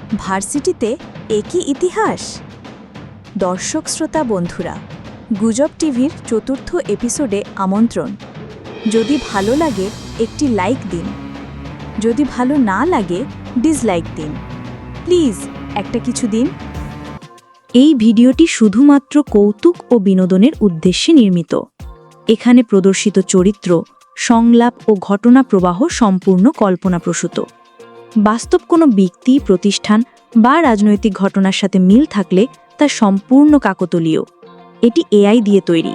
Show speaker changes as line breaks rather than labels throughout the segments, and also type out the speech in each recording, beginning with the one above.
ভার্সিটিতে একই ইতিহাস। দর্শক শ্রোতা বন্ধুরা, গুজব টিভির চতুর্থ এপিসোডে আমন্ত্রণ। যদি ভালো লাগে একটি লাইক দিন, যদি ভালো না লাগে ডিসলাইক দিন। প্লিজ একটা কিছু দিন। এই ভিডিওটি শুধুমাত্র কৌতুক ও বিনোদনের উদ্দেশ্যে নির্মিত। এখানে প্রদর্শিত চরিত্র, সংলাপ ও ঘটনা প্রবাহ সম্পূর্ণ কল্পনাপ্রসূত। বাস্তব কোনো ব্যক্তি, প্রতিষ্ঠান বা রাজনৈতিক ঘটনার সাথে মিল থাকলে তা সম্পূর্ণ কাকতালীয়। এটি এআই দিয়ে তৈরি।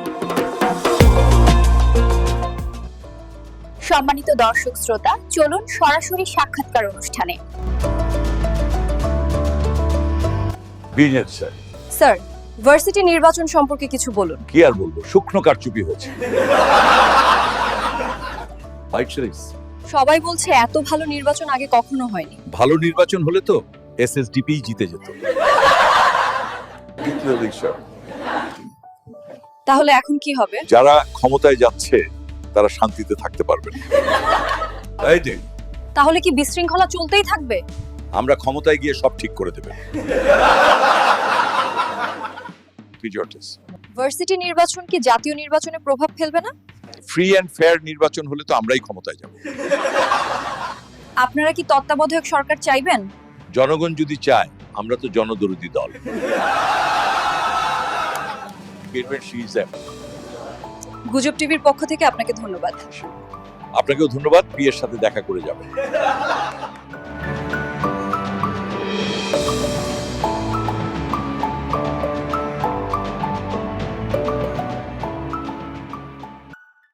সম্মানিত দর্শক শ্রোতা, চলুন সরাসরি সাক্ষাৎকার অনুষ্ঠানে। স্যার, ভার্সিটি নির্বাচন সম্পর্কে কিছু বলুন।
কি আর বলবো, শুকনো কারচুপি হয়েছে।
সবাই বলছে এত ভালো নির্বাচন আগে কখনো হয়নি।
ভালো নির্বাচন হলে তো এসএসডিপি জিতে যেত।
তাহলে এখন কি হবে?
যারা ক্ষমতায় যাচ্ছে তারা শান্তিতে থাকতে পারবে না। এই যে,
তাহলে কি বিশৃঙ্খলা চলতেই থাকবে?
আমরা ক্ষমতায় গিয়ে সব ঠিক করে দেব।
ভার্সিটি নির্বাচন কি জাতীয় নির্বাচনে প্রভাব ফেলবে না?
ফ্রি অ্যান্ড ফেয়ার নির্বাচন হলে তো আমরাই ক্ষমতায় যাব।
আপনারা কি তত্ত্বাবধায়ক সরকার চাইবেন?
জনগণ যদি চায়, আমরা তো জনদরদী দল।
গুজব টিভির পক্ষ থেকে আপনাকে ধন্যবাদ।
আপনাকেও ধন্যবাদ, বিয়ের সাথে দেখা করে যাবেন।